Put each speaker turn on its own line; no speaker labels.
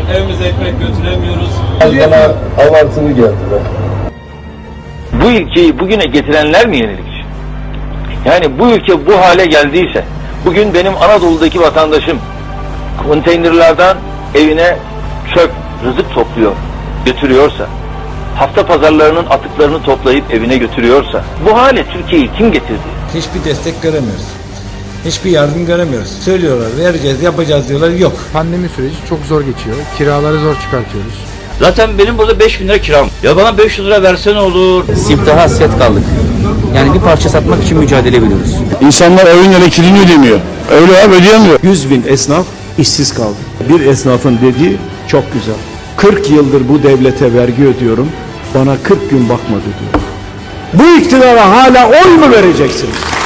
evimize ekmek götüremiyoruz.
Bana abartılı geldi be.
Bu ülkeyi bugüne getirenler mi yenilikçi? Yani bu ülke bu hale geldiyse, bugün benim Anadolu'daki vatandaşım konteynerlardan evine çöp, rızık topluyor, götürüyorsa, hafta pazarlarının atıklarını toplayıp evine götürüyorsa, bu hale Türkiye'yi kim getirdi?
Hiçbir destek göremiyoruz. Hiçbir yardım göremiyoruz. Söylüyorlar, vereceğiz, yapacağız diyorlar, yok.
Pandemi süreci çok zor geçiyor. Kiraları zor çıkartıyoruz.
Zaten benim burada 5.000 lira kiram. Ya bana 500 lira verse ne olur?
Siftah'a hasret kaldık. Yani bir parça satmak için mücadele veriyoruz.
İnsanlar evin elektriğini ödemiyor. Öyle abi, ödeyemiyor.
100.000 esnaf işsiz kaldı. Bir esnafın dediği çok güzel. 40 yıldır bu devlete vergi ödüyorum. Bana 40 gün bakmadı diyor. Bu iktidara hala oy mu vereceksiniz?